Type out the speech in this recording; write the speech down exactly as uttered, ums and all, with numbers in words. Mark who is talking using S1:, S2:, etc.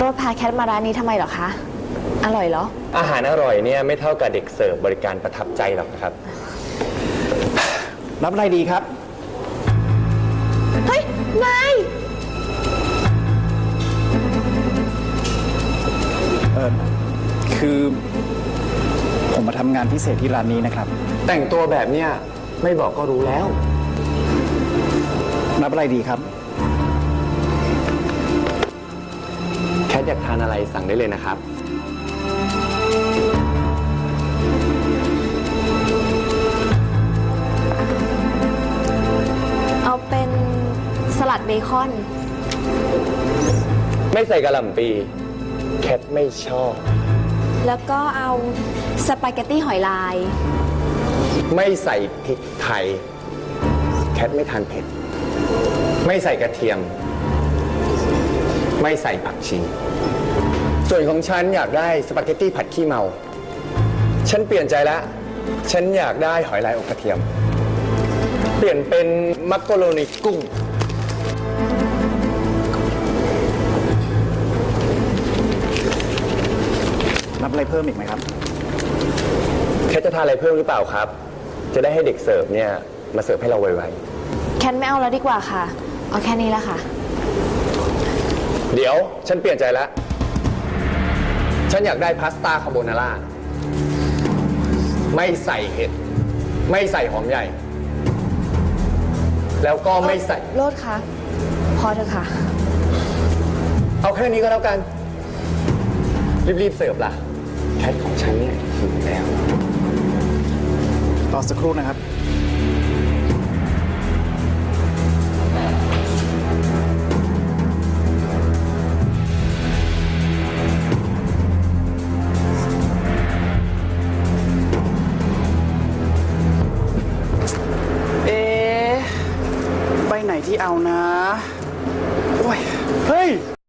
S1: รถพาแคทมาร้านนี้ทำไมเหรอคะอร่อยเหรอ
S2: อาหารอร่อยเนี่ยไม่เท่ากับเด็กเสิร์ฟบริการประทับใจหรอกนะครับ
S3: รับอะไรดีครับ
S1: เฮ้ยนาย
S3: เออคือผมมาทำงานพิเศษที่ร้านนี้นะครับ
S2: แต่งตัวแบบเนี้ยไม่บอกก็รู้แล้ว
S3: รับอะไรดีครับ
S2: แคทอยากทานอะไรสั่งได้เลยนะครับ
S1: เอาเป็นสลัดเบคอน
S2: ไม่ใส่กะหล่ำปีแคทไม่ชอบ
S1: แล้วก็เอาสปาเกตตี้หอยลาย
S2: ไม่ใส่พริกไทยแคทไม่ทานเผ็ดไม่ใส่กระเทียมไม่ใส่ผักชีส่วนของฉันอยากได้สปาเกตตี้ผัดขี้เมาฉันเปลี่ยนใจแล้วฉันอยากได้หอยลายอบกระเทียมเปลี่ยนเป็นมักโกโรนีกุ้ง
S3: รับอะไรเพิ่มอีกไหมครับ
S2: แคทจะทานอะไรเพิ่มหรือเปล่าครับจะได้ให้เด็กเสิร์ฟเนี่ยมาเสิร์ฟให้เราไว
S1: ๆแคทไม่เอาแล้วดีกว่าค่ะเอาแค่นี้ละค่ะ
S2: เดี๋ยวฉันเปลี่ยนใจแล้วฉันอยากได้พาสต้าคาโบนาร่าไม่ใส่เห็ดไม่ใส่หอมใหญ่แล้วก็ไม่ใส่
S1: โลดคะพอเถอะค่ะ
S2: เอาแค่นี้ก็แล้วกันรีบๆเสิร์ฟล่ะแคทของฉันเนี่ยหิวแล้ว
S3: รอสักครู่นะครับเอ๊ะไปไหนที่เอานะโอ้ยเฮ้ย